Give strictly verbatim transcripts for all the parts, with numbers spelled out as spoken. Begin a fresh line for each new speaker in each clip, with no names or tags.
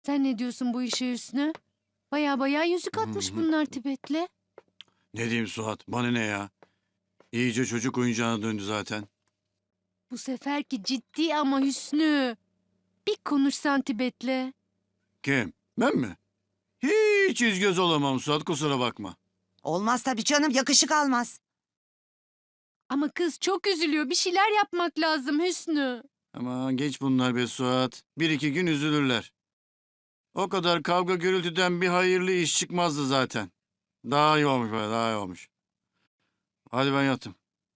Sen ne diyorsun bu işe Hüsnü? Baya baya yüzük atmış bunlar Tibet'le.
Ne diyeyim Suat? Bana ne ya? İyice çocuk oyuncağına döndü zaten.
Bu seferki ciddi ama Hüsnü. Bir konuşsan Tibet'le.
Kim? Ben mi? Hiç yüz göz olamam Suat, kusura bakma.
Olmaz tabii canım, yakışık almaz.
Ama kız çok üzülüyor. Bir şeyler yapmak lazım Hüsnü.
Aman geç bunlar be Suat. Bir iki gün üzülürler. O kadar kavga gürültüden bir hayırlı iş çıkmazdı zaten. Daha iyi olmuş be, daha iyi olmuş. Hadi ben yattım.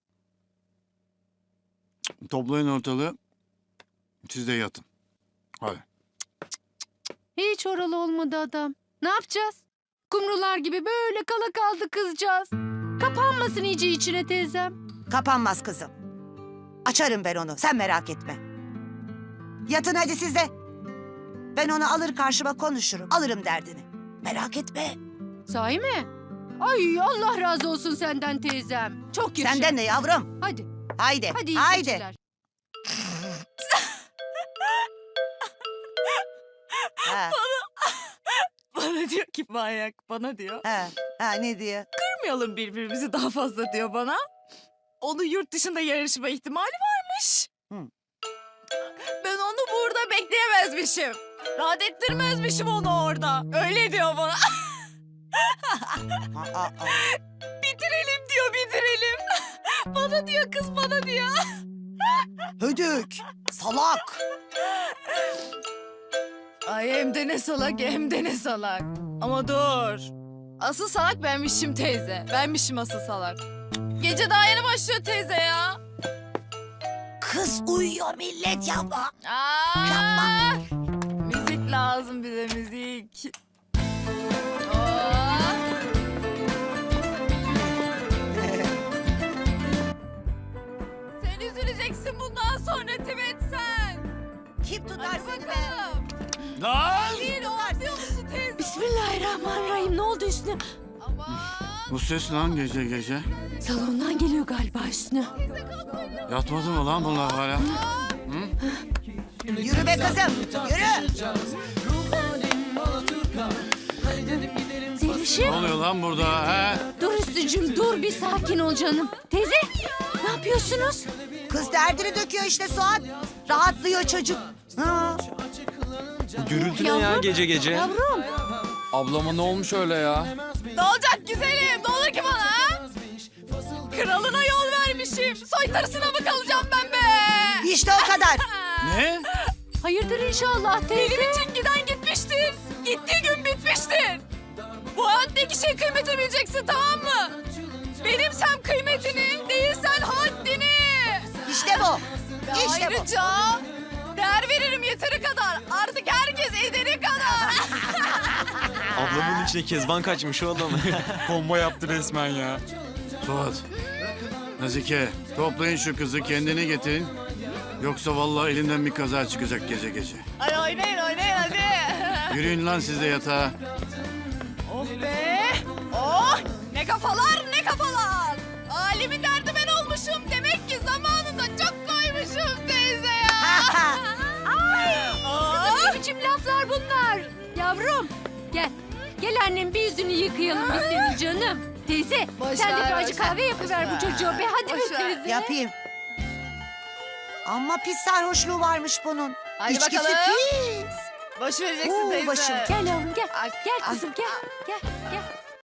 Toplayın ortalığı. Siz de yatın. Hadi.
Hiç oralı olmadı adam. Ne yapacağız? Kumrular gibi böyle kala kaldı kızcağız. Kapanmasın iyice içine teyzem.
Kapanmaz kızım. Açarım ben onu, sen merak etme. Yatın hadi siz de. Ben onu alır karşıma konuşurum, alırım derdini. Merak etme.
Sahi mi? Ay Allah razı olsun senden teyzem. Çok yaşa.
Senden de yavrum.
Hadi.
Haydi,
Hadi iyi
haydi.
geceler.
Ha,
Bana diyor ki manyak, bana diyor.
ha, ha, ne diyor?
Kırmayalım birbirimizi daha fazla diyor bana. Onun yurt dışında yarışma ihtimali varmış.
Hı.
Ben onu burada bekleyemezmişim. Rahat ettirmezmişim onu orada. Öyle diyor bana.
Aa, aa.
Bitirelim diyor, bitirelim. Bana diyor kız, bana diyor.
Hödük, salak.
Ay hem de ne salak, hem de ne salak. Ama dur. Asıl salak benmişim teyze. Benmişim asıl salak. Gece daha yeni başlıyor teyze ya.
Kız uyuyor millet yapma.
Aa,
Yapma.
Müzik lazım bize, müzik. Aa. Sen üzüleceksin bundan sonra Tibet sen.
Kim tutar
Hadi
seni be?
bakalım.
Lan!
Değil o, anlıyor musun teyze?
Bismillahirrahmanirrahim. Ne oldu Hüsnü?
Aman.
Bu ses lan gece gece.
Salondan geliyor galiba Hüsnü.
Yatmadı mı lan bunlar hala?
Yürü be kızım, yürü.
Ne
Zelişim.
oluyor lan burada he?
Dur Hüsnücüğüm dur bir sakin ol canım. Teyze ne yapıyorsunuz?
Kız derdini döküyor işte Suat. Rahatlıyor çocuk. Ha.
Gürültü ne ya
Yavrum,
gece gece?
Yavrum.
Ablama ne olmuş öyle ya?
Ne olacak güzelim? Ne olur ki bana ha? Kralına yol vermişim. Soytarısına mı kalacağım ben be?
İşte o kadar.
Ne?
Hayırdır inşallah teyze.
Benim için giden gitmiştir. Gittiği gün bitmiştir. Bu hayattaki şey kıymetini bileceksin, tamam mı? Benimsem kıymetini, değilsen haddini.
İşte bu.
Ve
İşte bu.
ayrıca değer veririm yeteri kadar. Artık herkes ederi kadar.
Ablamın içine kezban kaçmış o adam. Kombo yaptı resmen ya.
Suat. Nazike, toplayın şu kızı, kendini getirin. Yoksa vallahi elimden bir kaza çıkacak gece gece.
Ay oynayın oynayın hadi.
Yürüyün lan siz de yatağa.
Oh be! Oh! Ne kafalar ne kafalar! Alimin derdi ben olmuşum. Demek ki zamanında çok koymuşum teyze ya. Oh!
Ne biçim laflar bunlar? Yavrum gel. Gel annem bir yüzünü yıkayalım biz senin canım. Teyze
Boş
sen de
ver,
bir acı
boş ver,
kahve yapıver bu
boş
çocuğa be. Hadi
Boş
be
ver.
teyze.
Yapayım. Ama pis sarhoşluğu varmış bunun.
Hadi
İçkisi
bakalım.
pis.
Boş vereceksin
Oo,
teyze.
başım.
Gel yavrum gel.
Ay,
Gel
ay,
kızım gel. Gel gel.